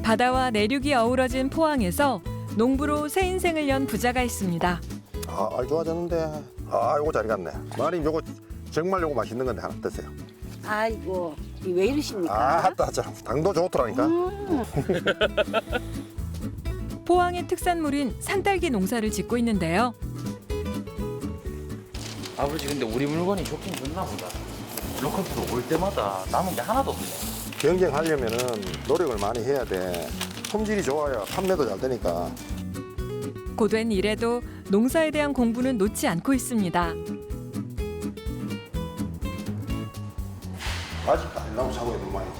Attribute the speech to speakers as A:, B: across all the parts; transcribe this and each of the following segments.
A: 바다와 내륙이 어우러진 포항에서 농부로 새 인생을 연 부자가 있습니다.
B: 아, 좋아졌는데. 아, 요거 잘 갔네. 마님, 요거 정말 요거 맛있는 건데 하나 드세요.
C: 아이고, 왜 이러십니까?
B: 아, 참 당도 좋더라니까.
A: 포항의 특산물인 산딸기 농사를 짓고 있는데요.
D: 아버지 근데 우리 물건이 좋긴 좋나 보다. 로컬 프로 올 때마다 남은 게 하나도 없네.
B: 경쟁하려면은 노력을 많이 해야 돼. 품질이 좋아야 판매도 잘 되니까.
A: 고된 일에도 농사에 대한 공부는 놓지 않고 있습니다.
B: 아직도 안 나오고 사고 있는 모양이지.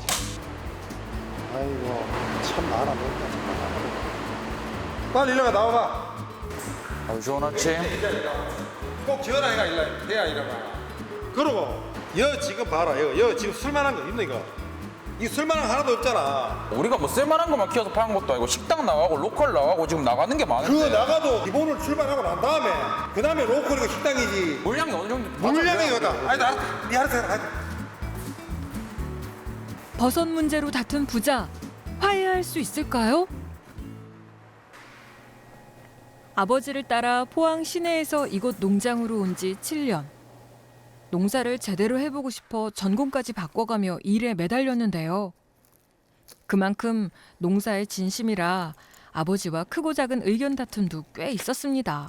B: 아이고, 참 많아 보인다, 정말. 빨리 일어나 나와봐.
D: 아버지 좋은 아침.
B: 꼭 지어라, 이거 해야 이러봐. 그러고, 여 지금 봐라, 여 지금 쓸만한 거 있네, 이거. 이 쓸만한 거 하나도 없잖아.
D: 우리가 뭐 쓸만한 것만 키워서 파는 것도 아니고 식당 나가고 로컬 나가고 지금 나가는 게 많은데.
B: 그 나가도 기본을 출발하고 난 다음에, 그 다음에 로컬이고 식당이지.
D: 물량이 어느 정도
B: 물량이 이거다. 아니, 네 알아서 해라.
A: 버섯 문제로 다툰 부자, 화해할 수 있을까요? 아버지를 따라 포항 시내에서 이곳 농장으로 온 지 7년. 농사를 제대로 해보고 싶어 전공까지 바꿔가며 일에 매달렸는데요. 그만큼 농사에 진심이라 아버지와 크고 작은 의견 다툼도 꽤 있었습니다.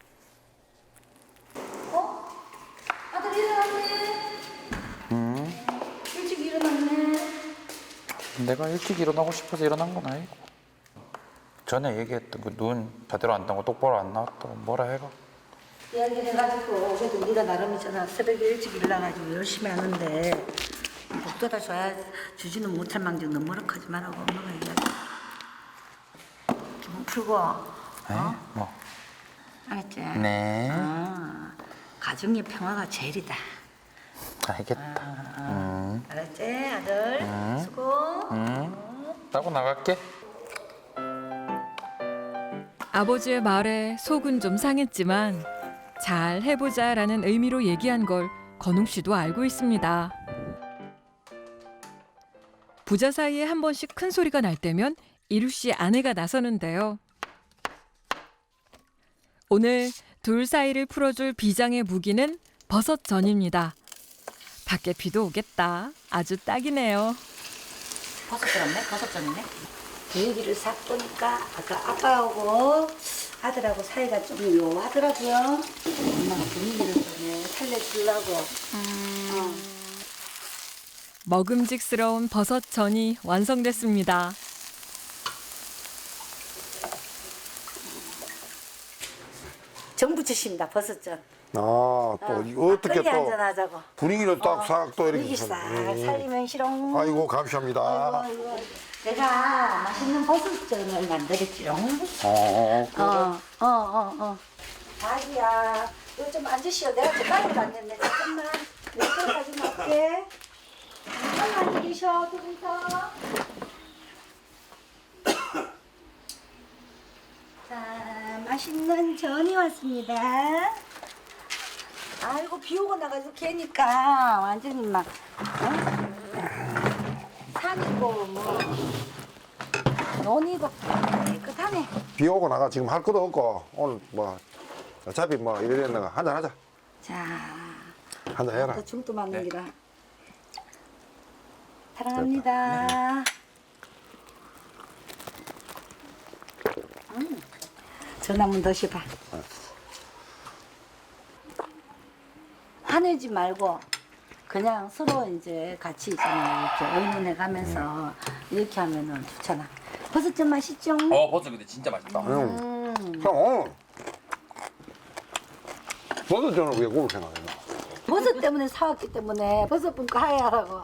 C: 아들 일어났네. 일찍 일어났네.
D: 내가 일찍 일어나고 싶어서 일어난 건 아니고. 전에 얘기했던 그 눈 제대로 안 뜨고 똑바로 안 나왔다고 뭐라 해가.
C: 이야기를 해가지고 그래도 네가 나름이잖아. 새벽에 일찍 일어나가지고 열심히 하는데 복도다 줘야 주지는 못할 망정 너무 노력하지 말라고 엄마가 얘기하지. 기분 풀고.
D: 에? 뭐?
C: 알았지?
D: 네.
C: 가정의 평화가 제일이다.
D: 알겠다.
C: 알았지 아들? 수고.
D: 따고 나갈게.
A: 아버지의 말에 속은 좀 상했지만 잘 해보자라는 의미로 얘기한 걸 건웅 씨도 알고 있습니다. 부자 사이에 한 번씩 큰 소리가 날 때면 이루 씨 아내가 나서는데요. 오늘 둘 사이를 풀어줄 비장의 무기는 버섯전입니다. 밖에 비도 오겠다. 아주 딱이네요.
C: 버섯 들었네? 버섯전이네? 분위기를 싹 보니까 아까 아빠하고 아들하고 사이가 좀 묘하더라고요. 엄마가 분위기를 좀 살려주려고.
A: 먹음직스러운 버섯전이 완성됐습니다.
C: 정 부치십니다, 버섯전.
B: 아, 또 이거 어떻게
C: 막걸리
B: 또
C: 한잔 하자고.
B: 분위기를 딱 싹 또 이렇게.
C: 분위기 싹 살리면 싫ong.
B: 아이고, 감사합니다.
C: 아이고. 내가 맛있는 버섯전을 만들었지롱. 자기야, 이거 좀 앉으시오. 내가 주방에 갔는데 잠깐만. 내거 가지고 올게. 잠깐만 계셔, 두 분서. 자, 맛있는 전이 왔습니다. 아이고, 비 오고 나가지고 개니까 완전히 막, 산이고, 뭐, 논이고, 깨끗하네.
B: 비 오고 나가 지금 할 것도 없고, 오늘 뭐, 어차피 뭐 이래 됐는가 한잔 하자.
C: 자,
B: 한잔 해라.
C: 또 중도 맞는 기라. 사랑합니다. 전 한번 더 씹어. 화내지 말고 그냥 서로 이제 같이 있잖아요. 이렇게 의논해 가면서 이렇게 하면은 좋잖아. 버섯 좀 맛있죠?
D: 버섯 근데 진짜 맛있다.
B: 형, 버섯전을 왜 그걸 생각했나?
C: 버섯 때문에 사왔기 때문에 버섯 분과 하야라고.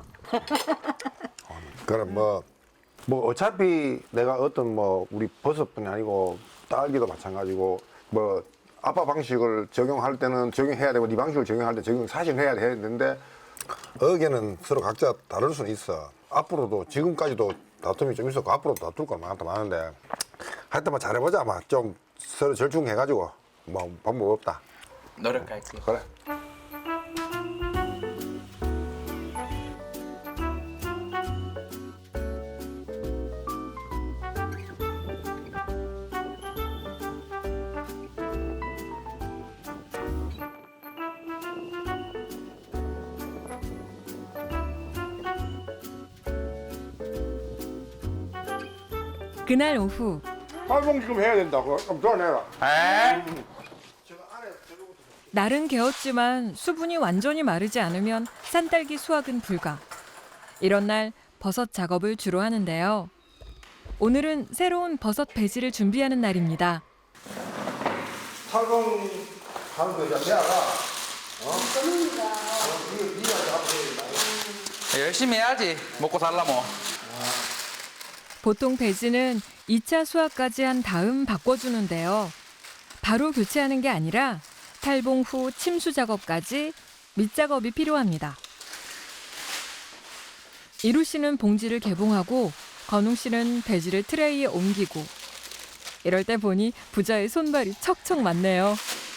B: 그럼 뭐 어차피 내가 어떤 뭐 우리 버섯뿐이 아니고 딸기도 마찬가지고 뭐 아빠 방식을 적용할 때는 적용해야 되고 네 방식을 적용할 때 적용 사실 해야 되는데 의견은 서로 각자 다를 수는 있어. 앞으로도 지금까지도 다툼이 좀 있었고 앞으로도 다툴 거 많은데 하여튼 뭐 잘해보자. 막 좀 서로 절충해가지고 뭐 방법 없다.
D: 노력할게.
B: 그래.
A: 그날 오후
B: 팔봉 지금 해야 된다고. 그럼 도와내라.
D: 에?
A: 날은 개었지만 수분이 완전히 마르지 않으면 산딸기 수확은 불가. 이런 날 버섯 작업을 주로 하는데요. 오늘은 새로운 버섯 배지를 준비하는 날입니다.
B: 팔봉 하는 거 이제 내가
D: 열심히 해야지. 먹고 살라모.
A: 보통 배지는 2차 수확까지 한 다음 바꿔주는데요. 바로 교체하는 게 아니라 탈봉 후 침수 작업까지 밑작업이 필요합니다. 이루 씨는 봉지를 개봉하고 건웅 씨는 배지를 트레이에 옮기고 이럴 때 보니 부자의 손발이 척척 맞네요.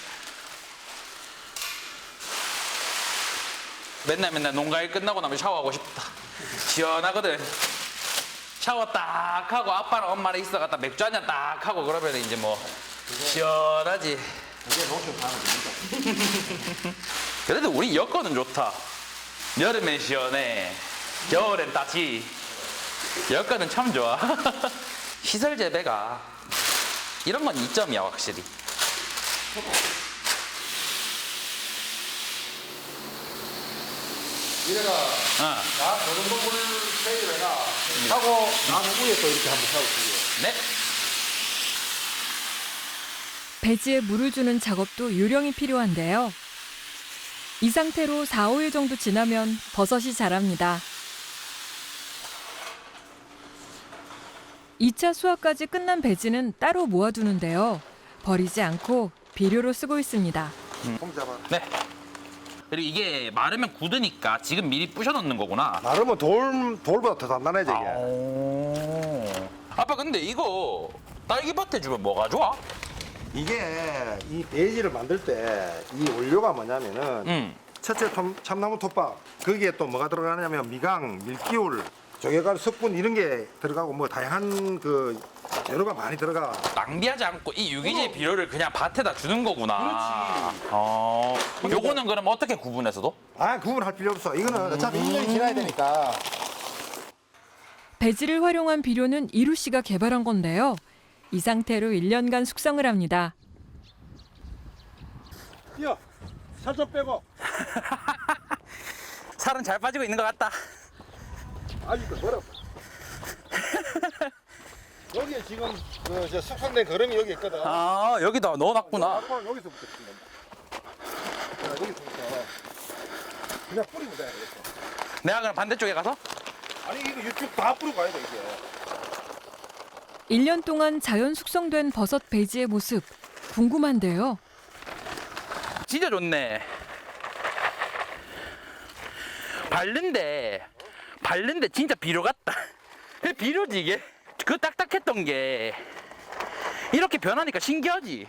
D: 맨날 농가일 끝나고 나면 샤워하고 싶다. 시원하거든. 샤워 딱 하고 아빠랑 엄마랑 있어갔다 맥주 한잔 딱 하고 그러면 이제 뭐 시원하지. 그래도 우리 여건은 좋다. 여름엔 시원해. 겨울엔 따지. 여건은 참 좋아. 시설 재배가 이런 건 이점이야 확실히.
B: 이래가 나 저런 거물 세일해가 하고 나는 위에 또 이렇게 한번 하고 있어요.
D: 네.
A: 배지에 물을 주는 작업도 요령이 필요한데요. 이 상태로 4, 5일 정도 지나면 버섯이 자랍니다. 2차 수확까지 끝난 배지는 따로 모아두는데요. 버리지 않고 비료로 쓰고 있습니다.
B: 폼 잡아.
D: 네. 그리고 이게 마르면 굳으니까 지금 미리 부셔놓는 거구나.
B: 나르면 돌보다 더 단단해져 이게.
D: 아빠 근데 이거 딸기밭에 주면 뭐가 좋아?
B: 이게 이 배지를 만들 때 이 원료가 뭐냐면은 첫째 참나무 톱밥 거기에 또 뭐가 들어가냐면 미강, 밀기울, 조개가루, 석분 이런 게 들어가고 뭐 다양한 그 재료가 많이 들어가.
D: 낭비하지 않고 이 유기질 비료를 그냥 밭에다 주는 거구나. 그렇지. 요거는 그럼 어떻게 구분해서도?
B: 아 구분할 필요 없어. 이거는 어차피 1년이 지나야 되니까.
A: 배지를 활용한 비료는 이루 씨가 개발한 건데요. 이 상태로 1년간 숙성을 합니다.
B: 뛰어. 살 좀 빼고.
D: 살은 잘 빠지고 있는 것 같다.
B: 아직도 멀었어. 여기에 지금 저 숙성된 거름이 여기 있거든.
D: 아 여기다 넣어놨구나.
B: 아빠는 여기서부터 치는 건다. 여기서부터 그냥 뿌리면 돼. 이렇게.
D: 내가 그럼 반대쪽에 가서?
B: 아니 이거 육즙 다 뿌리고 가야 돼 이게.
A: 1년 동안 자연 숙성된 버섯 배지의 모습 궁금한데요.
D: 진짜 좋네. 바른데 진짜 비료 같다. 비료지 이게. 그 딱딱했던 게 이렇게 변하니까 신기하지.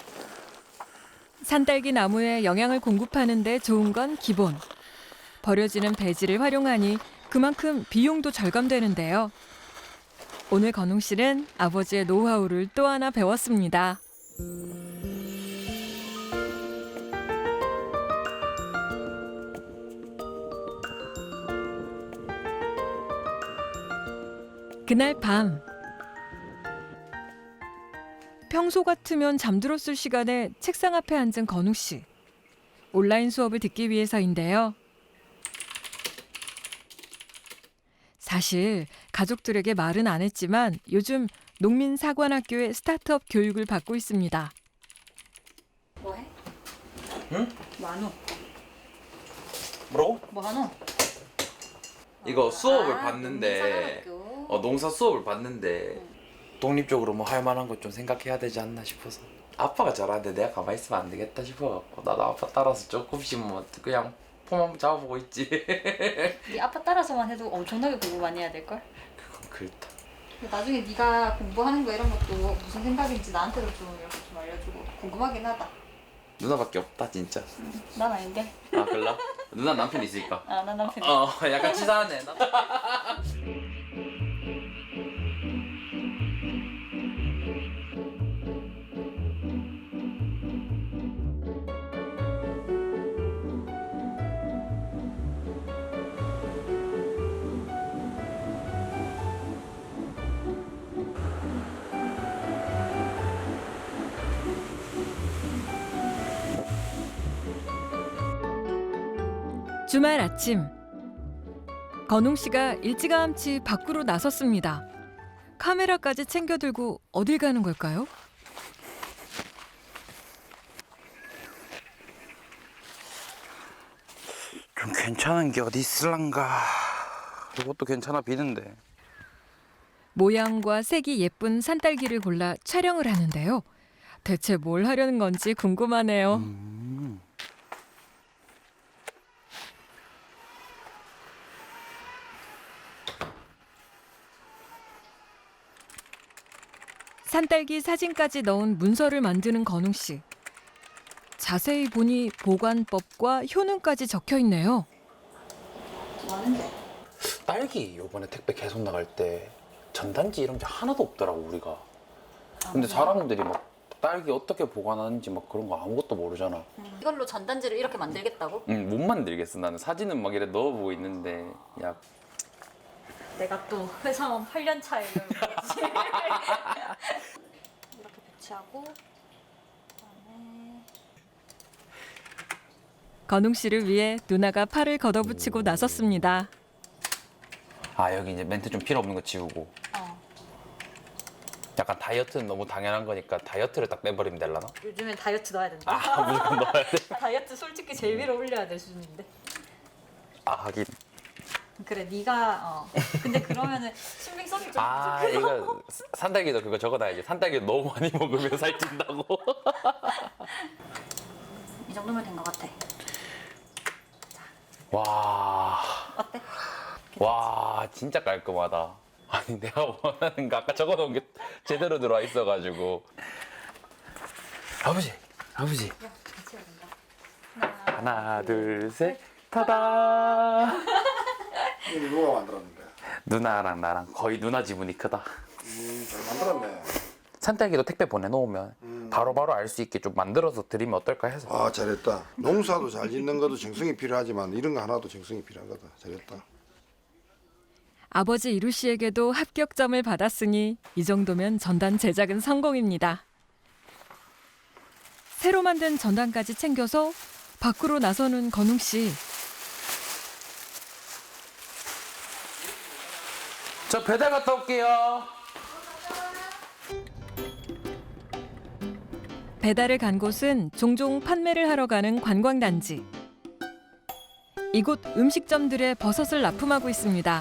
A: 산딸기 나무에 영양을 공급하는 데 좋은 건 기본. 버려지는 배지를 활용하니 그만큼 비용도 절감되는데요. 오늘 건웅 씨는 아버지의 노하우를 또 하나 배웠습니다. 그날 밤 평소 같으면 잠들었을 시간에 책상 앞에 앉은 건우 씨. 온라인 수업을 듣기 위해서인데요. 사실 가족들에게 말은 안 했지만 요즘 농민사관학교의 스타트업 교육을 받고 있습니다.
C: 뭐해?
D: 응?
C: 뭐하노?
D: 뭐라고?
C: 뭐하노?
D: 이거 수업을
C: 아,
D: 봤는데
C: 농민사관학교.
D: 농사 수업을 봤는데 독립적으로 뭐 할 만한 것 좀 생각해야 되지 않나 싶어서 아빠가 잘하는데 내가 가만히 있으면 안 되겠다 싶어갖고 나도 아빠 따라서 조금씩 뭐 그냥 폼 한번 잡아보고 있지.
E: 네 아빠 따라서만 해도 엄청나게 공부 많이 해야 될걸?
D: 그건 그렇다.
E: 나중에 네가 공부하는 거 이런 것도 무슨 생각인지 나한테도 좀 이렇게 좀 알려주고 궁금하긴 하다.
D: 누나밖에 없다 진짜.
E: 난 아닌데.
D: 아 그래? 누나 남편 있으니까.
E: 아, 난 남편.
D: 약간 치사하네.
A: 주말 아침 건웅 씨가 일찌감치 밖으로 나섰습니다. 카메라까지 챙겨 들고 어딜 가는 걸까요?
F: 좀 괜찮은 게 어디 있을란가. 이것도 괜찮아 비는데.
A: 모양과 색이 예쁜 산딸기를 골라 촬영을 하는데요. 대체 뭘 하려는 건지 궁금하네요. 산딸기 사진까지 넣은 문서를 만드는 건웅 씨. 자세히 보니 보관법과 효능까지 적혀 있네요.
E: 많은데.
F: 딸기 요번에 택배 계속 나갈 때 전단지 이런 게 하나도 없더라고 우리가. 근데 사람들이 막 딸기 어떻게 보관하는지 막 그런 거 아무것도 모르잖아.
E: 이걸로 전단지를 이렇게 만들겠다고?
F: 응, 못 만들겠어. 나는 사진은 막 이래 넣어보고 있는데 야
E: 내가 또 회사원 8년 차에 이렇게 배치하고 그다음에
A: 건웅 씨를 위해 누나가 팔을 걷어붙이고 나섰습니다.
F: 아 여기 이제 멘트 좀 필요 없는 거 지우고. 약간 다이어트는 너무 당연한 거니까 다이어트를 딱 빼버리면 되려나?
E: 요즘엔 다이어트 넣어야 된다.
F: 아 무조건 넣어야 돼?
E: 다이어트 솔직히 제일 위로 올려야 될 수준인데.
F: 아 하긴.
E: 그래 네가 근데 그러면은 신빙성이 좀
F: 아
E: 부족해서.
F: 이거 산딸기도 그거 적어놔야지. 산딸기 너무 많이 먹으면 살찐다고.
E: 이 정도면 된 것 같아.
F: 와,
E: 어때?
F: 와 진짜 깔끔하다. 아니 내가 원하는 거 아까 적어놓은 게 제대로 들어와 있어가지고. 아버지.
E: 같이 해야 된다.
F: 하나 둘 셋 타다.
B: 이거 누가 만들었는데?
F: 누나랑 나랑 거의 누나 지분이 크다.
B: 잘 만들었네.
F: 산딸기도 택배 보내놓으면 바로바로 알 수 있게 좀 만들어서 드리면 어떨까 해서.
B: 아, 잘했다. 농사도 잘 짓는 것도 정성이 필요하지만 이런 거 하나도 정성이 필요한 거다. 잘했다.
A: 아버지 이루 씨에게도 합격점을 받았으니 이 정도면 전단 제작은 성공입니다. 새로 만든 전단까지 챙겨서 밖으로 나서는 건웅 씨.
F: 저 배달 갔다 올게요.
A: 배달을 간 곳은 종종 판매를 하러 가는 관광단지. 이곳 음식점들의 버섯을 납품하고 있습니다.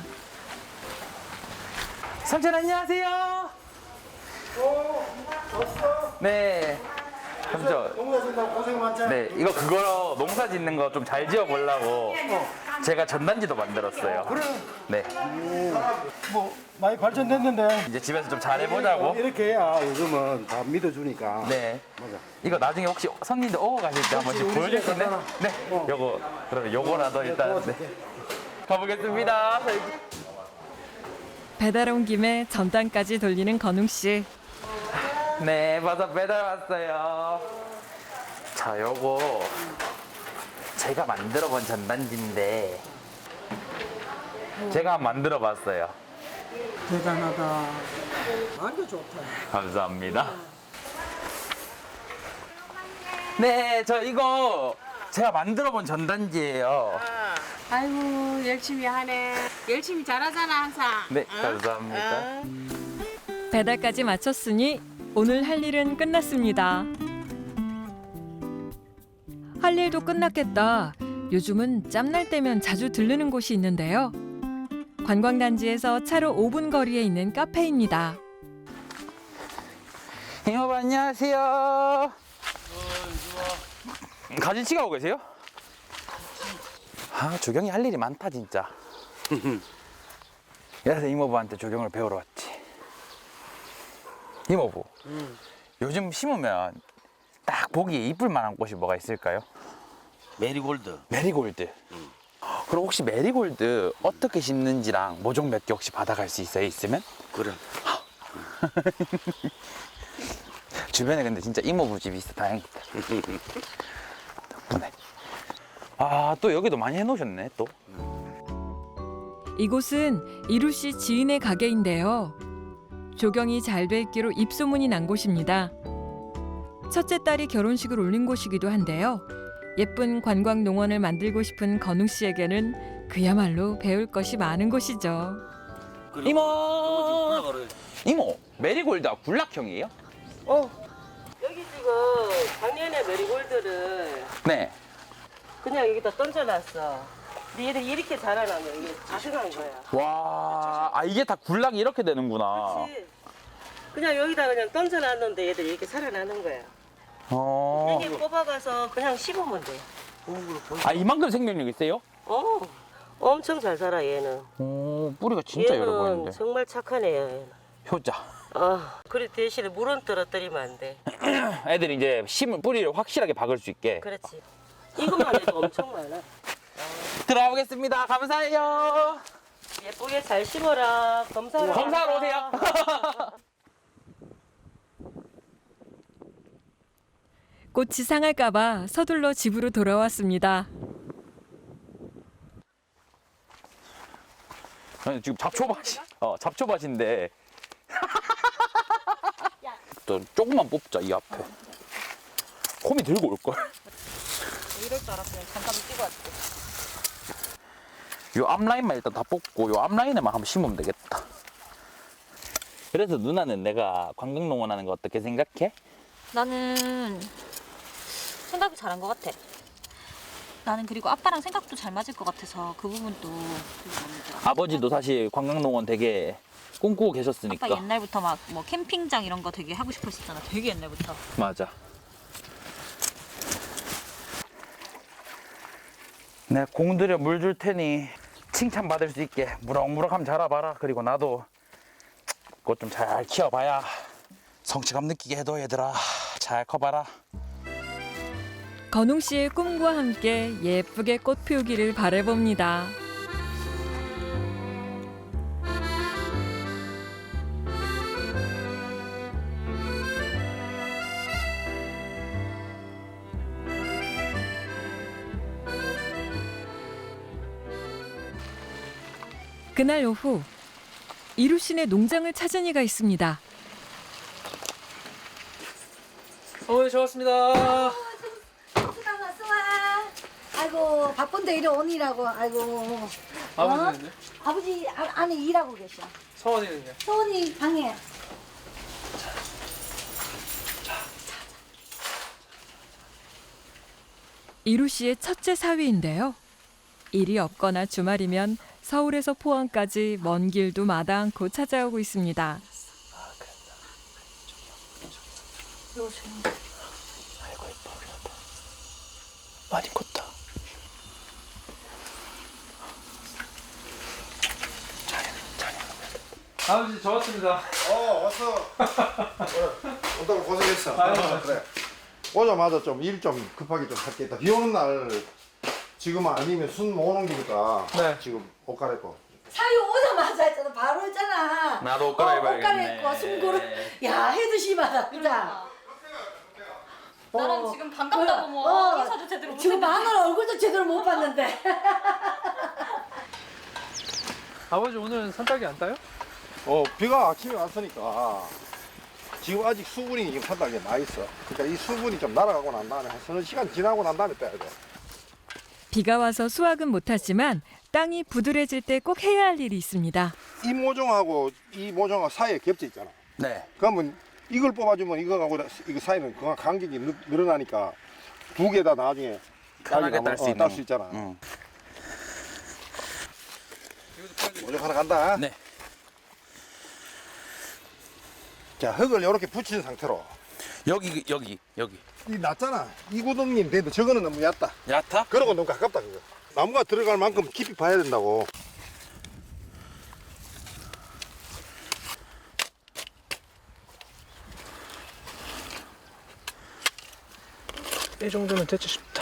F: 삼촌 안녕하세요. 네. 삼촌.
B: 농사 짓다고 고생 많잖아.
F: 네, 이거 그거 농사 짓는 거 좀 잘 지어 보려고 제가 전단지도 만들었어요. 그래. 네.
G: 뭐 많이 발전됐는데
F: 이제 집에서 좀 잘 해보자고.
G: 이렇게 해야 요즘은 다 믿어주니까.
F: 네.
G: 맞아.
F: 이거 나중에 혹시 손님들 오고 가실 때 한 번씩
G: 우리
F: 보여줄 수
G: 집에
F: 있나요? 네. 요거 그러면 요거라도 일단 네. 가보겠습니다.
A: 배달 온 김에 전단까지 돌리는 건웅 씨.
F: 네, 버섯 배달 왔어요. 자, 요거 제가 만들어 본 전단지인데 제가 만들어 봤어요.
G: 대단하다. 완전 좋다.
F: 감사합니다. 네, 저 이거 제가 만들어 본 전단지예요.
H: 아이고 열심히 하네. 열심히 잘하잖아 항상.
F: 네, 감사합니다.
A: 배달까지 마쳤으니 오늘 할 일은 끝났습니다. 할 일도 끝났겠다. 요즘은 짬날 때면 자주 들르는 곳이 있는데요. 관광단지에서 차로 5분 거리에 있는 카페입니다.
F: 이모부 안녕하세요. 가진치 가고 계세요? 아, 조경이 할 일이 많다 진짜. 그래서 이모부한테 조경을 배우러 왔지. 이모부, 요즘 심으면 딱 보기에 이쁠 만한 꽃이 뭐가 있을까요?
I: 메리골드.
F: 메리골드. 그럼 혹시 메리골드 어떻게 심는지랑 모종 몇 개 혹시 받아갈 수 있어요? 있으면?
I: 그래.
F: 주변에 근데 진짜 이모부 집이 있어 다행이다. 덕분에. 아, 또 여기도 많이 해놓으셨네 또.
A: 이곳은 이루 씨 지인의 가게인데요. 조경이 잘 돼 있기로 입소문이 난 곳입니다. 첫째 딸이 결혼식을 올린 곳이기도 한데요. 예쁜 관광 농원을 만들고 싶은 건웅 씨에게는 그야말로 배울 것이 많은 곳이죠.
F: 이모! 이모, 메리골드가 굴락형이에요?
H: 여기 지금 작년에 메리골드를
F: 네.
H: 그냥 여기다 던져놨어. 근데 얘들이 이렇게 자라나면 이게 자생한 거야.
F: 와, 아 이게 다 굴락이 이렇게 되는구나.
H: 그렇지. 그냥 여기다 그냥 던져놨는데 얘들이 이렇게 살아나는 거야. 여기 뽑아가서 그냥 씹으면 돼.
F: 아 이만큼 생명력 있어요?
H: 엄청 잘 살아 얘는.
F: 뿌리가 진짜 열어
H: 얘는
F: 보이는데.
H: 정말 착한 애야 얘는.
F: 효자.
H: 그래 대신에 물은 떨어뜨리면 안 돼.
F: 애들이 이제 심을 뿌리를 확실하게 박을 수 있게.
H: 그렇지. 이것만 해도 엄청 많아.
F: 들어가 보겠습니다. 감사해요.
H: 예쁘게 잘 심어라. 검사하러
F: 검사하러 오세요.
A: 꽃이 상할까봐 서둘러 집으로 돌아왔습니다.
F: 아니, 지금 잡초밭인데. 또 조금만 뽑자 이 앞에. 홈이 들고 올 걸.
E: 이럴 줄 알았으면 잠깐 뛰고 왔지.
F: 요 앞라인만 일단 다 뽑고 요 앞라인에만 한번 심으면 되겠다. 그래서 누나는 내가 관광농원 하는 거 어떻게 생각해?
E: 나는 생각이 잘한 것 같아. 나는 그리고 아빠랑 생각도 잘 맞을 것 같아서 그 부분도 되게 마음에 들어.
F: 아버지도 사실 관광농원 되게 꿈꾸고 계셨으니까.
E: 아빠 옛날부터 막 뭐 캠핑장 이런 거 되게 하고 싶었었잖아. 되게 옛날부터.
F: 맞아. 내가 공들여 물 줄 테니 칭찬받을 수 있게 무럭무럭하면 자라봐라. 그리고 나도 그것 좀 잘 키워봐야 성취감 느끼게 해도 얘들아 잘 커봐라.
A: 건웅 씨의 꿈과 함께 예쁘게 꽃 피우기를 바라봅니다. 그날 오후 이루 씨네 농장을 찾은 이가 있습니다.
J: 어머니 저 왔습니다.
C: 아이고 바쁜데 이리 오니라고. 아이고.
J: 아버지는요?
C: 아버지 안에 일하고 계셔.
J: 서원이는요?
C: 소원이 방에.
A: 이루 씨의 첫째 사위인데요. 일이 없거나 주말이면 서울에서 포항까지 먼 길도 마다 않고 찾아오고 있습니다.
F: 아이고 예뻐 우리나라. 많이 컸다.
J: 아버지 저 왔습니다.
B: 왔어. 온다고 고생했어. 그래. 오자마자 좀 일 좀 급하게 좀 할게있다. 비 오는 날 지금 아니면 순 모으는 기니까
J: 네.
B: 지금 옷 갈아입고.
C: 사유 오자마자 했잖아. 바로 했잖아.
F: 나도 옷
C: 옷
F: 갈아입어야겠네.
C: 갈아입고 숨고를. 야 해도 심하다. 그자.
E: 나랑 지금 반갑다고 뭐 인사도 제대로 못
C: 지금
E: 했는데.
C: 마누라 얼굴도 제대로 못 봤는데.
J: 아버지 오늘 산딸기 안 따요?
B: 비가 아침에 왔으니까 지금 아직 수분이 지금 산다게 나 있어. 그러니까 이 수분이 좀 날아가고 난 다음에 한 서너 시간 지나고 난 다음에 빼야 돼.
A: 비가 와서 수확은 못하지만 땅이 부드러질 때 꼭 해야 할 일이 있습니다.
B: 이 모종하고 이 모종하고 사이에 겹쳐 있잖아.
F: 네.
B: 그러면 이걸 뽑아주면 이거하고 이거 사이는 그만 간격이 늘어나니까 두 개 다 나중에
F: 편하게 딸 수 있는.
B: 딸 수 있잖아. 모종 하나 간다.
F: 네.
B: 자, 흙을 이렇게 붙인 상태로.
F: 여기.
B: 이 낮잖아. 이 구덩이는 되는데 저거는 너무 얕다.
F: 얕아?
B: 그러고 너무 가깝다 그거. 나무가 들어갈 만큼 깊이 파야 된다고.
J: 이 정도면 됐지 싶다.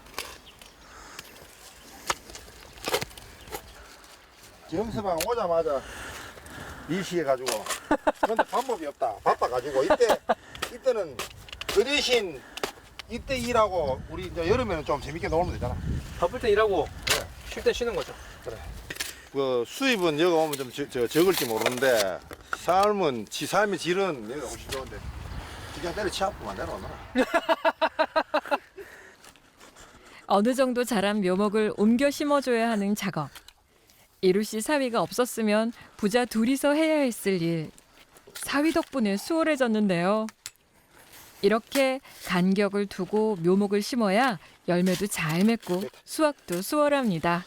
B: 정서방 오자마자 일시해가지고. 그런데 방법이 없다. 바빠가지고 이때는 그 대신 이때 일하고 우리 이제 여름에는 좀 재밌게 놀면 되잖아.
J: 바쁠 때 일하고
B: 그래.
J: 쉴 때 쉬는 거죠.
B: 그래. 그 수입은 여기 오면 좀 적을지 모르는데 삶의 질은 여기가 훨씬 좋은데 그냥 때려 치아프만 내려오나.
A: 어느 정도 자란 묘목을 옮겨 심어줘야 하는 작업. 이루 씨 사위가 없었으면 부자 둘이서 해야 했을 일. 사위 덕분에 수월해졌는데요. 이렇게 간격을 두고 묘목을 심어야 열매도 잘 맺고 수확도 수월합니다.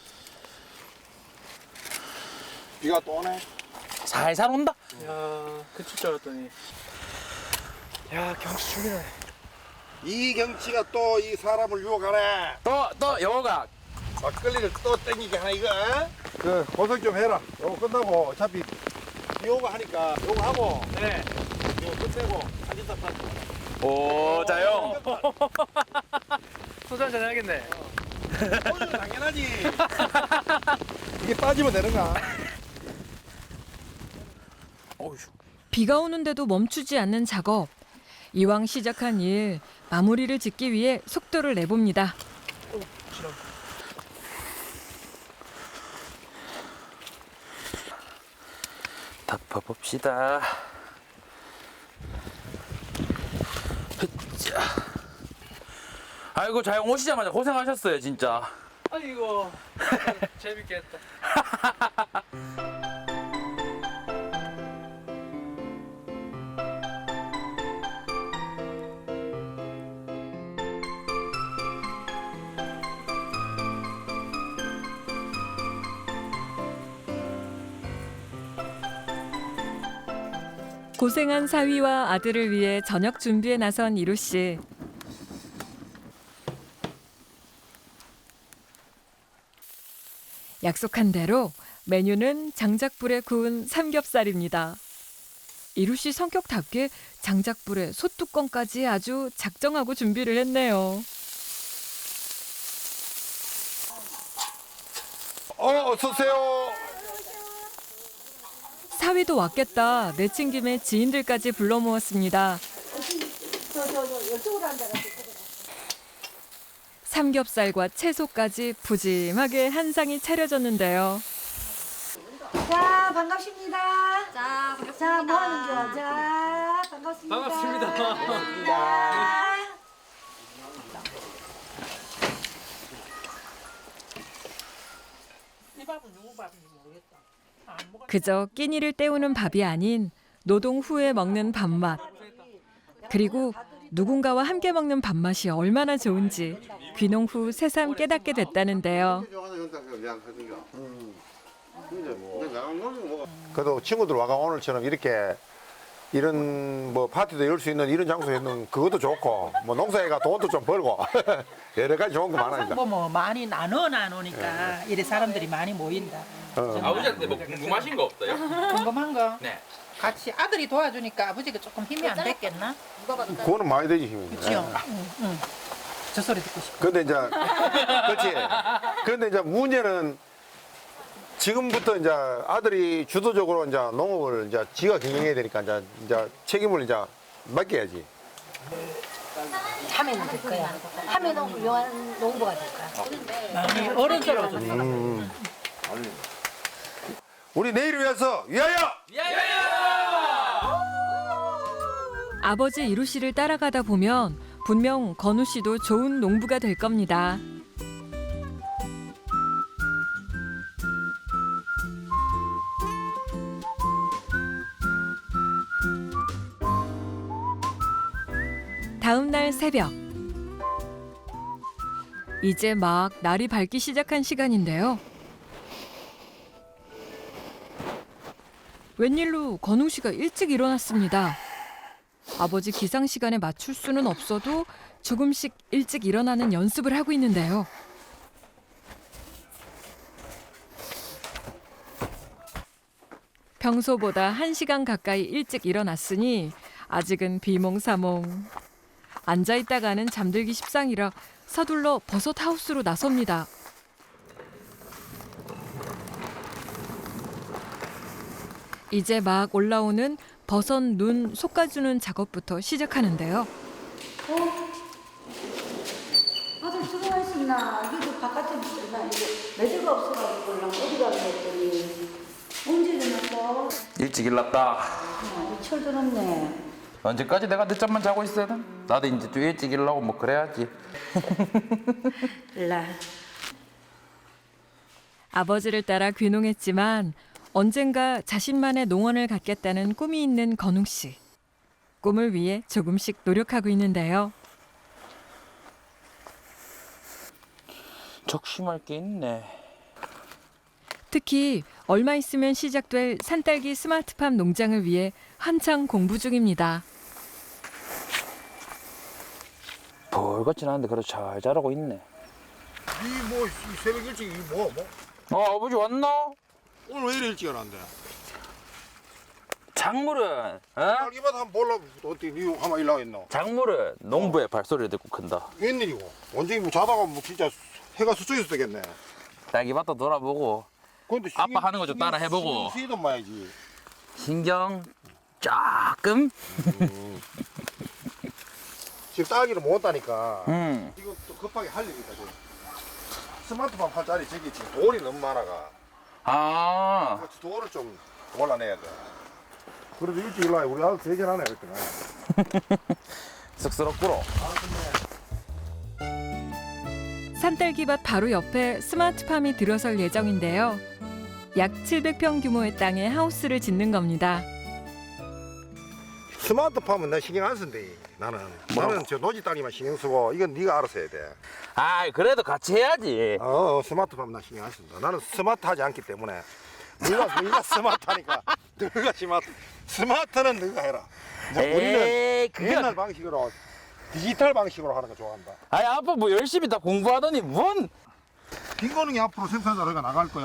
B: 비가 또 오네.
F: 살살 온다.
J: 야, 그칠 줄 알았더니. 야, 경치 죽이네.
B: 이 경치가 또 이 사람을 유혹하네.
F: 또 여우가
B: 막걸리를 또 땡기게 하네 이거. 그 고생 좀 해라. 요거 끝나고 어차피 요거 하니까 요거 하고
J: 네.
B: 요거 끝내고 사진 딱 받고.
F: 오 자영.
J: 소주 한잔 해야겠네.
B: 오늘 당연하지. 이게 빠지면 되는가?
F: 어휴.
A: 비가 오는데도 멈추지 않는 작업. 이왕 시작한 일 마무리를 짓기 위해 속도를 내봅니다.
F: 덮어봅시다. 흐짜. 아이고 자영 오시자마자 고생하셨어요 진짜.
J: 아이고, 재밌게 했다.
A: 고생한 사위와 아들을 위해 저녁 준비에 나선 이루 씨. 약속한 대로 메뉴는 장작불에 구운 삼겹살입니다. 이루 씨 성격답게 장작불에 솥뚜껑까지 아주 작정하고 준비를 했네요.
B: 어서 오세요.
A: 사위도 왔겠다 내친 김에 지인들까지 불러 모았습니다. 삼겹살과 채소까지 푸짐하게 한 상이 차려졌는데요.
C: 자, 반갑습니다.
E: 자,
C: 자, 뭐 하는 거? 자, 반갑습니다.
J: 반갑습니다.
A: 그저 끼니를 때우는 밥이 아닌 노동 후에 먹는 밥맛. 그리고 누군가와 함께 먹는 밥맛이 얼마나 좋은지 귀농 후 새삼 깨닫게 됐다는데요.
B: 그래도 친구들 와가 오늘처럼 이렇게 이런 뭐 파티도 열 수 있는 이런 장소에 있는 그것도 좋고 뭐 농사에가 돈도 좀 벌고 여러 가지 좋은 거 많으니까.
K: 뭐 많이 나누니까 이래 사람들이 많이 모인다.
F: 아버지한테 뭐 궁금하신 거 없어요?
K: 궁금한 거?
F: 네.
K: 같이 아들이 도와주니까 아버지가 조금 힘이 안 됐겠나?
B: 그거는 많이 되지 힘이.
K: 그치요? 응. 저 소리 듣고 싶어.
B: 근데 이제 그렇지. 그런데 이제 문제는 지금부터 이제 아들이 주도적으로 이제 농업을 이제 지가 경영해야 되니까 이제 책임을 이제 맡겨야지.
C: 하면은 될 거야. 하면은 훌륭한 농부가 될 거야.
K: 많이 어른스러워졌어.
B: 우리 내일을 위해서 위하여!
A: 아버지 이루 씨를 따라가다 보면 분명 건우 씨도 좋은 농부가 될 겁니다. 다음 날 새벽. 이제 막 날이 밝기 시작한 시간인데요. 웬일로 건우 씨가 일찍 일어났습니다. 아버지 기상 시간에 맞출 수는 없어도 조금씩 일찍 일어나는 연습을 하고 있는데요. 평소보다 1시간 가까이 일찍 일어났으니 아직은 비몽사몽. 앉아있다가는 잠들기 십상이라 서둘러 버섯 하우스로 나섭니다. 이제 막 올라오는 버섯 눈 솎아주는 작업부터 시작하는데요.
C: 아들 들어와 있었나? 이게 바깥에 있었나? 이게 매대가 없어가지고 어디 가게 했더니 언제 일어났어?
F: 일찍 일났다.
C: 철 들었네.
F: 언제까지 내가 늦잠만 자고 있어야 돼? 나도 이제 좀 일찍 일어나고 뭐 그래야지.
C: 일라.
A: 아버지를 따라 귀농했지만 언젠가 자신만의 농원을 갖겠다는 꿈이 있는 건웅 씨. 꿈을 위해 조금씩 노력하고 있는데요.
F: 적심할 게 있네.
A: 특히 얼마 있으면 시작될 산딸기 스마트팜 농장을 위해 한창 공부 중입니다.
F: 벌같진 않은데 그래도 잘 자라고 있네.
B: 이뭐 새벽 일찍 뭐
F: 아버지 왔나?
B: 오늘 왜 이래 일찍 일어난대?
F: 작물은
B: 딸기밭 한번 볼라 어떻게 니 한번 일나가 있노?
F: 작물은 농부의 발소리를 듣고 큰다.
B: 웬일이고? 언제 뭐 자다가 뭐 진짜 해가 서쪽에서 뜨겠네.
F: 딸기밭도 돌아보고
B: 근데
F: 아빠 하는 거 좀 따라 해보고.
B: 쓰이던 마야지.
F: 신경 조금.
B: 지금 딸기를 못 따니까
F: 음.
B: 이거 또 급하게 할 일이 있다. 지금. 스마트팜 할 자리 저기 지금 돌이 너무 많아가.
F: 아.
B: 그래서 돌을 좀 골라내야 돼. 그래도 일찍 일어나 우리 아들 세견하네 그랬더니.
F: 쑥스럽구로.
A: 산딸기밭 바로 옆에 스마트팜이 들어설 예정인데요. 약 700평 규모의 땅에 하우스를 짓는 겁니다.
B: 스마트팜은 나 신경 안 쓴대. 나는 저 노지 딸기만 신경 쓰고 이건 네가 알아서 해야 돼.
F: 아, 그래도 같이 해야지.
B: 스마트팜 나 신경 안 쓴다. 나는 스마트하지 않기 때문에 네가 스마트하니까 너가 스마트는 네가 해라. 이제 우리는
F: 에이, 그게
B: 옛날 방식으로 디지털 방식으로 하는 거 좋아한다.
F: 아니 아빠 뭐 열심히 다 공부하더니 뭔?
B: 빈거능이 앞으로 생산자료가 나갈 거야.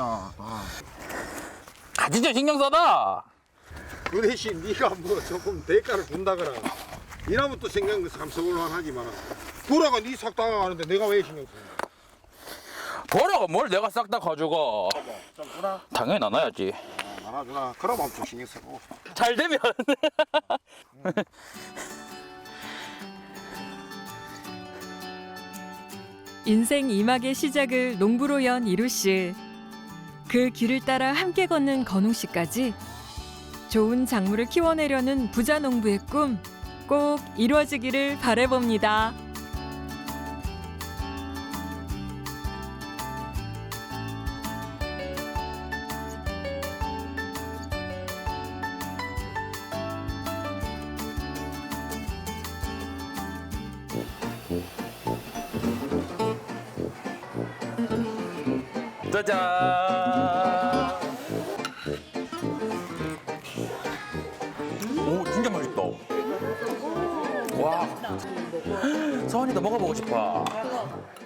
F: 아 진짜 신경 써다.
B: 그 대신 네가 뭐 조금 대가를 준다거나 이러면 또 신경 참 서울만 하지만 보라가 네 싹 다가가는데 내가 왜 신경 쓰는데?
F: 보라가 뭘 내가 싹 다 가져가.
B: 좀 주나?
F: 당연히 나눠야지.
B: 나눠주나? 그럼 엄청 신경 쓰고.
F: 잘 되면.
A: 인생 2막의 시작을 농부로 연 이루 씨. 그 길을 따라 함께 걷는 건웅 씨까지 좋은 작물을 키워내려는 부자 농부의 꿈 꼭 이루어지기를 바라봅니다.
F: 짜잔. 오 진짜 맛있다. 와. 서원이도 먹어보고 싶어.